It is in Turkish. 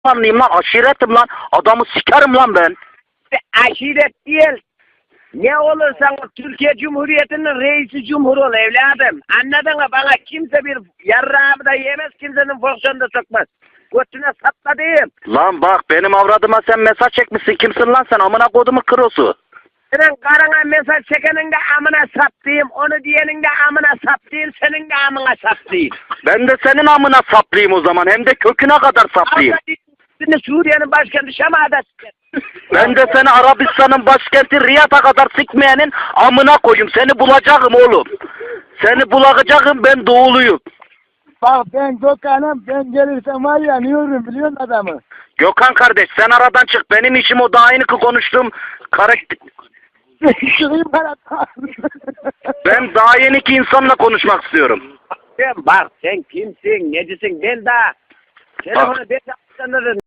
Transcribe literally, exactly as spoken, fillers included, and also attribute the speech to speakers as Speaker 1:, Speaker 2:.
Speaker 1: Anlayayım lan, aşiretim lan. Adamı sikerim lan ben.
Speaker 2: Aşiret değil. Ne olursan ol, Türkiye Cumhuriyeti'nin reisi cumhur ol evladım. Anladın mı? Bana kimse bir yarrağımı da yemez, kimsenin fonksiyonunu da sokmaz. Götüne sapla diyeyim.
Speaker 1: Lan bak, benim avradıma sen mesaj çekmişsin. Kimsin lan sen? Amına kodumu kırosu.
Speaker 2: Senin karına mesaj çekenin de amına sap diyeyim. Onu diyenin de amına sap diyeyim. Senin de amına sap diyeyim.
Speaker 1: Ben de senin amına saplayayım o zaman. Hem de köküne kadar saplayayım.
Speaker 2: Şimdi Suriye'nin başkenti Şam'da siker.
Speaker 1: Ben de seni Arabistan'ın başkenti Riyad'a kadar sikmeyenin amına koyayım. Seni bulacağım oğlum. Seni bulacağım, ben doğuluyum.
Speaker 3: Bak ben Gökhan'ım, ben gelirsem var ya niyorum biliyor musun adamı?
Speaker 1: Gökhan kardeş, sen aradan çık. Benim işim o, daha yeni konuştuğum karakter.
Speaker 3: Çıkayım bana.
Speaker 1: Ben daha yeni ki insanla konuşmak istiyorum.
Speaker 2: Sen bak sen kimsin, necisin, ben daha telefonu ben de